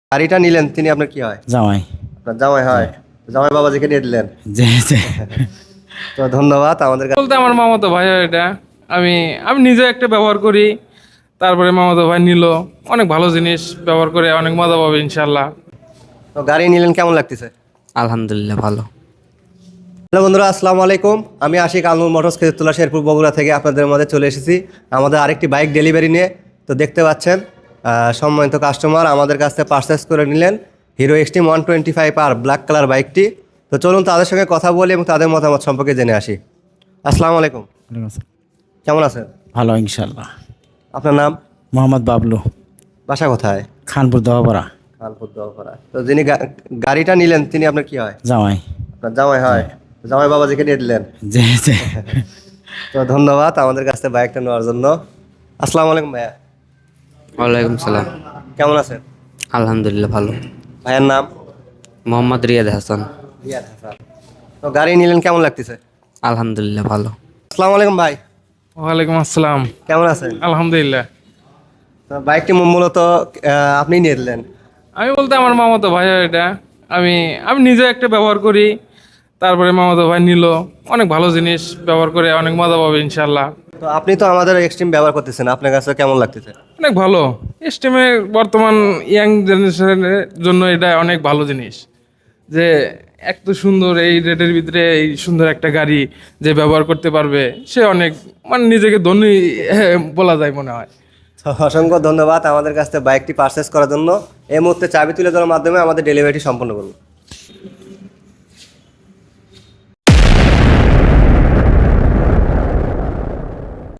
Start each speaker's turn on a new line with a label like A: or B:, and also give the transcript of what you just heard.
A: গাড়িটা নিলেন তিনি আপনার কি হয়?
B: জামাই।
A: আপনার জামাই হয়? জামাই বাবাজিকে নিয়ে দিলেন।
B: জি জি।
A: তো ধন্যবাদ আমাদের কাছে।
C: বলতে আমার মামাতো ভাই হয় এটা। আমি আমি নিজে একটা ব্যবহার করি, তারপরে মামাতো ভাই নিল। অনেক ভালো জিনিস ব্যবহার করে অনেক মজা পাবে ইনশাল্লাহ।
A: তো গাড়ি নিলেন, কেমন লাগতেছে?
D: আলহামদুলিল্লাহ ভালো।
A: হ্যালো বন্ধুরা, আসসালামু আলাইকুম। আমি আশিক আলমুর মোটরস খেজুরতলা শেরপুর বগুড়া থেকে আপনাদের মধ্যে চলে এসেছি আমাদের আরেকটি বাইক ডেলিভারি নিয়ে। তো দেখতে পাচ্ছেন সম্মানিত কাস্টমার আমাদের কাছ থেকে পারচেস করে নিলেন hero extreme 125R black colour বাইকটি। তো চলুন তাদের সঙ্গে কথা বলি এবং তাদের মতামত সম্পর্কে জেনে আসি। আসসালামু আলাইকুম, কেমন আছেন?
B: ভালো ইনশাল্লাহ।
A: আপনার নাম?
B: মোহাম্মদ বাবলু,
A: বাসা কোথায়?
B: খানপুর দহপাড়া।
A: কানপুর দোয়াপাড়া। তো যিনি গাড়িটা নিলেন তিনি আপনার কি হয়?
B: জামাই।
A: আপনার জামাই হয়? জামাই বাবাজিকে নিয়ে দিলেন।
B: জি জি।
A: তো ধন্যবাদ আমাদের কাছ থেকে বাইকটা নেওয়ার জন্য। আসসালামু আলাইকুম ভাইয়া,
D: ওয়ালাইকুম সালাম।
A: কেমন আছেন?
D: আলহামদুলিল্লাহ ভালো।
A: ভাইয়ের নাম?
D: মোহাম্মদ রিয়াদ হাসান।
A: রিয়াদ হাসান। তো গাড়ি নিলেন, কেমন লাগতেছে?
D: আলহামদুলিল্লাহ ভালো।
A: আসসালামু আলাইকুম ভাই,
C: ওয়ালাইকুম আসসালাম।
A: কেমন আছেন?
C: আলহামদুলিল্লাহ।
A: তো বাইকটি মূলত আপনি নিয়ে দিলেন।
C: আমি বলতে আমার মামাতো ভাই হয় এটা। আমি আমি নিজে একটা ব্যবহার করি, তারপরে মামাতো ভাই নিল। অনেক ভালো জিনিস ব্যবহার করে অনেক মজা পাবে ইনশাল্লাহ।
A: তো আপনি তো আমাদের এক্সট্রিম ব্যবহার করতেছেন, আপনার কাছে কেমন লাগতেছে?
C: অনেক ভালো। স্টিমের বর্তমান ইয়াং জেনারেশনের জন্য এটা অনেক ভালো জিনিস, যে এত সুন্দর এই রেটের ভিতরে এই সুন্দর একটা গাড়ি যে ব্যবহার করতে পারবে, সে অনেক মানে নিজেকে ধনী বলা যায় মনে হয়।
A: তো অসংখ্য ধন্যবাদ আমাদের কাছ থেকে বাইকটি পারচেস করার জন্য। এই মুহূর্তে চাবি তুলে দেওয়ার মাধ্যমে আমাদের ডেলিভারিটি সম্পন্ন করুন।